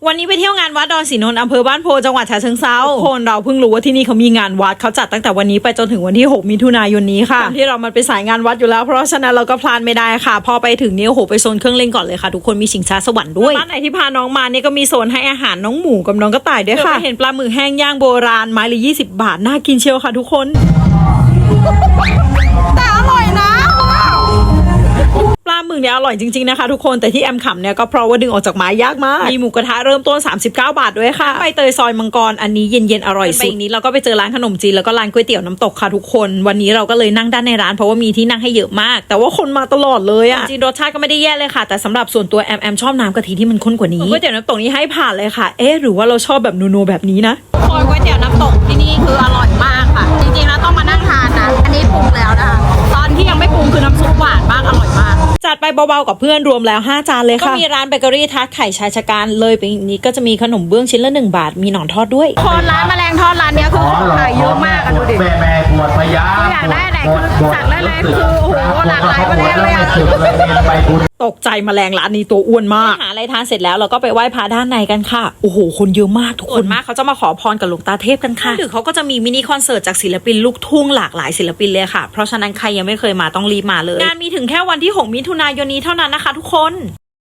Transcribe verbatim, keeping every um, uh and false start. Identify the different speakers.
Speaker 1: วันนี้ไปเที่ยวงานวัดดอนศรีนนท์อำเภอบ้านโพจังหวัดฉะเชิงเทราคนเราเพิ่งรู้ว่าที่นี่เขามีงานวัดเขาจัดตั้งแต่วันนี้ไปจนถึงวันที่หกมิถุนายนนี้ค่ะที่เรามันไปสายงานวัดอยู่แล้วเพราะฉะนั้นเราก็พลาดไม่ได้ค่ะพอไปถึงนี่โอ้โหไปโซนเครื่องเล่นก่อนเลยค่ะทุกคนมีชิงช้าสวรรค์ด้วยบ้านไหนที่พาน้องมาเนี่ยก็มีโซนให้อาหารน้องหมูกับน้องกระต่ายด้วยค่ะเห็นปลาหมึกแห้งย่างโบราณไม้ละยี่สิบบาทน่ากินเชียวค่ะทุกคนแต่อร่อยนะปลาหมึกเนี่ยอร่อยจริงๆนะคะทุกคนแต่ที่แอมขำเนี่ยก็เพราะว่าดึงออกจากไม้ยากมากมีหมูกระทะเริ่มต้นสามสิบเก้าบาทด้วยค่ะใบเตยซอยมังกรอันนี้เย็นๆอร่อยสุดไปอีกนี้เราก็ไปเจอร้านขนมจีนแล้วก็ร้านก๋วยเตี๋ยวน้ำตกค่ะทุกคนวันนี้เราก็เลยนั่งด้านในร้านเพราะว่ามีที่นั่งให้เยอะมากแต่ว่าคนมาตลอดเลยอะจริงรสชาติก็ไม่ได้แย่เลยค่ะแต่สำหรับส่วนตัวแอมแอมชอบน้ำกะทิที่มันข้นกว่านี้ก๋วยเตี๋ยวน้ำตกนี้ให้ผ่านเลยค่ะเอ๊ะหรือว่าเราชอบแบบนัวๆแบบนี้นะก๋วยเตี๋ยวน้ำตกที่นี่คืออร่อยมากค่ะจริงๆแล้วต้องมานั่งทานนะอันนี้ปรุงแล้วนะคะตอนที่ยังไม่ปรุงคือน้ำซุปหวานมากอร่อยมากจัดไปเบาๆกับเพื่อนรวมแล้วห้าจานเลยค่ะก็มีร้านเบเกอรี่ทาร์ตไข่ชายชะกันเลยไปอีกนี้ก็จะมีขนมเบื้องชิ้นละหนึ่งบาทมีหนอนทอดด้วยคนร้านแมลงทอดร้านนี้คือขายเยอะมากอะดูดิ
Speaker 2: แม่แม่ปวดพยา
Speaker 1: อยากได้อะไรคือสั่งได้เลยคือโอ้โหหลากหลายประเภทเลยอะตกใจแมลงร้านนี้ตัวอ้วนมากหาอะไรทานเสร็จแล้วเราก็ไปไหว้พระด้านในกันค่ะโอ้โหคนเยอะมากทุกคนมากเขาจะมาขอพรกับหลวงตาเทพกันค่ะหรือเขาก็จะมีมินิคอนเสิร์ตจากศิลปินลูกทุ่งหลากหลายศิลปินเลยค่ะเพราะฉะนั้นใครยังไม่เคยมาต้องรีบมาเลยงานมีถึงแค่วันที่หกมิถุนายนนี้เท่านั้นนะคะทุกคน